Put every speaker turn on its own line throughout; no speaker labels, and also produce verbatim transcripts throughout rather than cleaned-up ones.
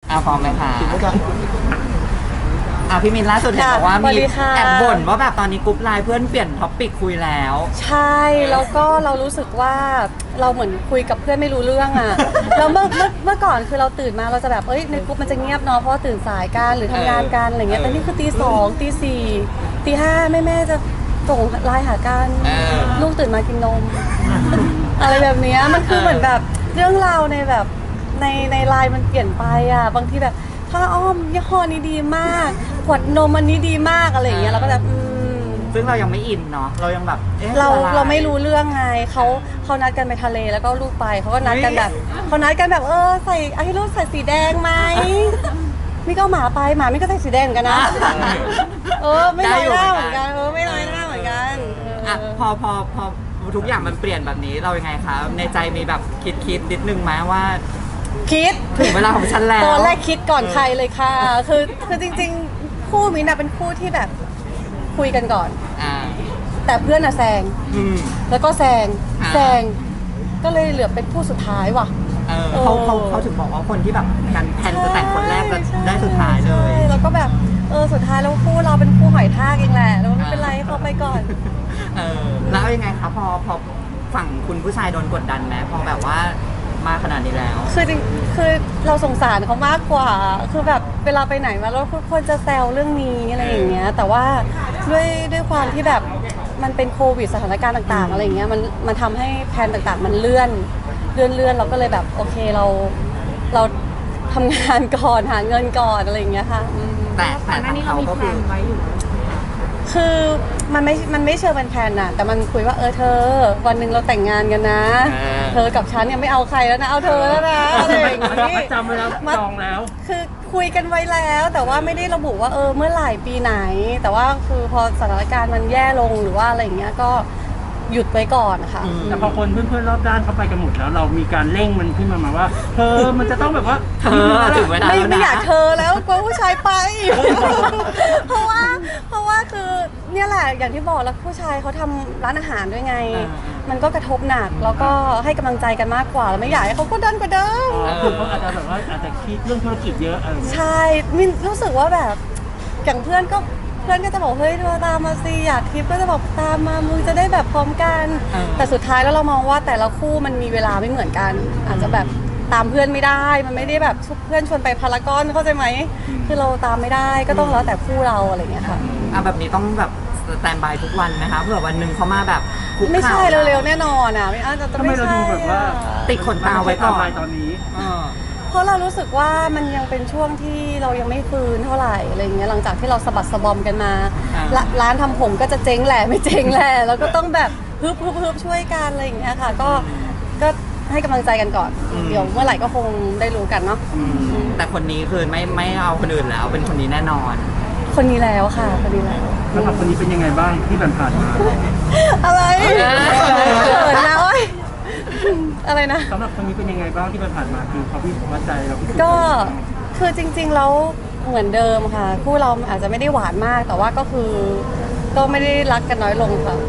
อ่ะพร้อมไหมคะ
ถึงแล้วกัน
อ่ะพี่มินล่าสุดเห็นบอกว่า
สวั
มี
สดีค่ะ
แอบบ่นว่าแบบตอนนี้กรุ๊ปไลน์เพื่อนเปลี่ยนท็อปปิกคุยแล้ว
ใช่แล้วก็เรารู้สึกว่าเราเหมือนคุยกับเพื่อนไม่รู้เรื่องอ่ะ แล้วเมื่อเมื่อเมื่อก่อนคือเราตื่นมาเราจะแบบเอ้ยในกรุ๊ปมันจะเงียบเนาะเพราะว่าตื่นสายกันหรือทำงานกันอะไรเงี้ยแต่นี่คือตีสองตีสี่ตีห้าแม่แม่จะส่งไลน์หากัน
เออ
ลูกตื่นมากินนม อะไรแบบเนี้ยมันคือเหมือนแบบเรื่องราวในแบบในในไลน์มันเปลี่ยนไปอ่ะบางทีแบบผ้าอ้อมยี่ห้อนี้ดีมากขวดนมอันนี้ดีมากอะไรอย่างเงี้ยเราก็แบบอืม
ซึ่งเรายังไม่อินเนาะเรายังแบบอ๊ะ
เรา
อะ
เราไม่รู้เรื่องไงเขาเขานัดกันไปทะเลแล้วก็ลูกไปเขาก็นัดกันแบบเขานัดกันแบบเออใส่เอาให้ลูกใส่สีแดงไหมนี่ก็เอาหมาไปหมาไม่ก็ใส่สีแดงเหมือนกันนะเออไม่น้อยหน้าเหมือนกันเออไม่น้อยหน้าเหมือนกันเ
อ่ะพอพอพอทุกอย่างมันเปลี่ยนแบบนี้เรายังไงคะในใจมีแบบคิดคิดนิดนึงไหมว่า
คิด
ถึงเวลาของฉันแล้ว
ตอนแรกคิดก่อนใครเลยค่ะ คือคือจริงๆ คู่มินท์อะเป็นคู่ที่แบบคุยกันก่อน
อ่า
แต่เพื่อนอะแซง
อืม
แล้วก็แซง
อ่า
แซงก็เลยเหลือเป็นคู่สุดท้ายว่ะ
เออเขาเขาเขาถึงบอกว่าคนที่แบบกันแพลนจะแต่งคนแรกจะ
ใช่
ได้สุดท้ายเลย
ใช่แล้วก็แบบเออสุดท้ายแล้วคู่เราเป็นคู่หอยทากเองแหละแล้วไม่เป็นไรให้เขาไปก่อน
เออแล้วยังไงคะพอพอฝั่งคุณผู้ชายโดนกดดันไหมพอแบบว่ามาขนาดนี้แล้ว
คือจริงคือเราสงสารเขามากกว่า คือแบบเวลาไปไหนมาแล้วทุกคนจะแซวเรื่องนี้อะไรอย่างเงี้ย แต่ว่าด้วยด้วยความที่แบบมันเป็นโควิดสถานการณ์ต่างๆอะไรอย่างเงี้ยมันมันทำให้แผนต่างๆ มันเลื่อนเลื่อนเลื่อนเราก็เลยแบบโอเคเราเราทำงานก่อนหาเงินก่อนอะไรอย่างเงี้ยค่ะอืม
แต่แต่ทางเขาก็คือ
คือมันไม่มันไม่เชิงเป็นแผนน่ะแต่มันคุยว่าเออเธอ วันหนึ่งเราแต่งงานกันนะ
เออ
เธอกับฉันเนี่ยไม่เอาใครแล้วนะเอาเธอแล้วนะอะไรอย่างงี้
จำไว้แล้วจองแล้ว
คือคุยกันไว้แล้วแต่ว่าไม่ได้ระบุว่าเออเมื่อไหร่ปีไหน แต่ว่าคือพอสถานการณ์มันแย่ลงหรือว่าอะไรอย่างเงี้ยก็หยุดไว้ก่อนค่ะ
แต่พอคนเพื่อนๆรอบด้านเขาไปกันหมดแล้ว เรามีการเร่งมันขึ้นมามาว่าเธอมันจะต้องแบบว่า
เธอถึงเวลา
ไม่
แล้ว
ไม่
นะ
อยากเธอแล้วกลัวผู้ชายไป เพราะว่าเพราะว่าคือเนี่ยแหละอย่างที่บอกแล้วผู้ชายเขาทำร้านอาหารด้วยไง
อ่า
มันก็กระทบหนักแล้วก็ให้กำลังใจกันมากกว่าแล้วไม่อยากให้เขากดดันกว่าเดิม
คือเขาอาจจะแบบว่าอาจจะคิดเรื่องธุรกิจเยอะเออ
ใช่มินรู้สึกว่าแบบอย่างเพื่อนก็เพื่อนก็จะบอกเฮ้ยเธอตามมาสิอยากทริปก็จะบอกตามมามึงจะได้แบบพร้อมกัน
เออ
แต่สุดท้ายแล้วเรามองว่าแต่ละคู่มันมีเวลาไม่เหมือนกัน อาจจะแบบตามเพื่อนไม่ได้ มันไม่ได้แบบเพื่อนชวนไปพารากอนเข้าใจไหมคือเราตามไม่ได้ก็ต้องแล้วแต่คู่เราอะไรอย่างเงี้ยค่ะ
อ่ะแบบนี้ต้องแบบสแตนบายทุกวันนะคะเผื่อวันหนึ่งเขามาแบบคุก
ไม่ใช่
ข่า
เร็วๆแน่นอนอ่ะไม่อาจจะ
ทำไม
ไม่
เรา
ใช่
ดูแบบว่า
อะ
ติดขนตาไว้ก่อน
ม่ใช่ตอนนี้
เออ
เพราะเรารู้สึกว่ามันยังเป็นช่วงที่เรายังไม่ฟื้นเท่าไหร่อะไรอย่างเงี้ยหลังจากที่เราสะบัดสะบอมกันมา
อ่า
ละร้านทำผมก็จะเจ๊งแหละไม่เจ๊งแหละแล้วก็ต้องแบบฮึบฮึบฮึบช่วยกันอะไรอย่างเงี้ยค่ะก็ก็ให้กำลังใจกันก่อน เดี๋ยวเมื่อไหร่ก็คงได้รู้กันเนาะ
อืมแต่คนนี้คือไม่ไม่เอาคนอื่นแล้วเป็นคนนี้แน่นอน
คนนี้แล้วค่ะคนนี้แล้ว
สำหรับคนนี้เป็นยังไงบ้างที่ผ่านๆมา
อะไร
เออ
เขินนะโอ๊ยอะไรนะ
สำหรับคนนี้เป็นยังไงบ้างที่ผ่านๆมาคือเขาพี่วัดใจเราพิสูจน์
ก็คือจริงๆแล้วเหมือนเดิมค่ะ คู่เราอาจจะไม่ได้หวานมาก แต่ว่าก็คือก็ไม่ได้รักกันน้อยลงค่ะ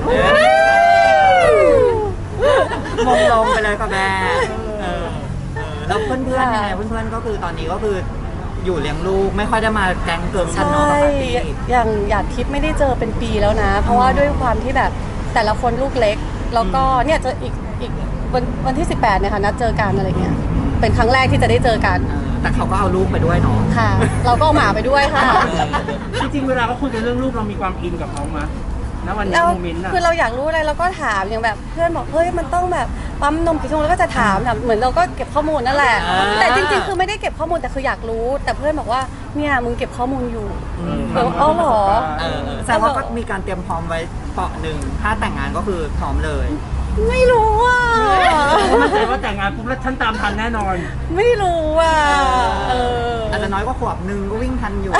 มงลงไปเลยค่ะแม่เออเออแล้วเพื่อนๆยังไงเพื่อนๆก็คือตอนนี้ก็คืออยู่เลี้ยงลูกไม่ค่อยได้มาแก๊งเกิร์ลกัน
ใช่
เนาะปกติ
อย่างหยาดทิพย์ไม่ได้เจอเป็นปีแล้วนะ เพราะว่าด้วยความที่แบบแต่ละคนลูกเล็ก แล้วก็เนี่ยจะอีกอีกวันวันที่สิบแปดเนี่ยค่ะนัดเจอกันอะไรเงี้ยเป็นครั้งแรกที่จะได้เจอกัน
เออแต่เขาก็เอาลูกไปด้วยเนาะ
ค่ะ เราก็เอาหมาไปด้วยค่ะ
จริงๆเวลาเขาคุยกันเรื่องรูปเรามีความอินกับเขาไหมณวันนี้
แล้ว
โมเมนต์น่ะ
คือเราอยากรู้อะไรเราก็ถามอย่างแบบเพื่อนบอกเฮ้ยมันต้องแบบปั๊มนมกี่ชั่วโมงแล้วก็จะถามแบบเหมือนเราก็เก็บข้อมูลนั่นแหละ แต่จริงๆคือไม่ได้เก็บข้อมูลแต่คืออยากรู้ แต่เพื่อนบอกว่าเนี่ยมึงเก็บข้อมูลอยู่ เออเอาเหรอ
เออเออแสดงว่าก็มีการเตรียมพร้อมไว้เปาะหนึ่งถ้าแต่งงานก็คือพร้อมเลย
ไม่รู้อ่ะ
มั่นใจว่าแต่งงานปุ๊บแล้วฉันตามทันแน่นอน
ไม่รู้อ่ะเออ
อาจจะน้อยกว่าขวบหนึ่งก็วิ่งทันอยู่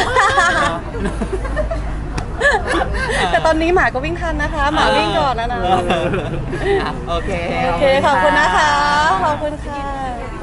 แต่ตอนนี้หมาก็วิ่งทันนะคะ หมาวิ่งก่อนแล้วนะ
อ่ะโอเค
โอเคขอบคุณนะคะขอบคุณค่ะ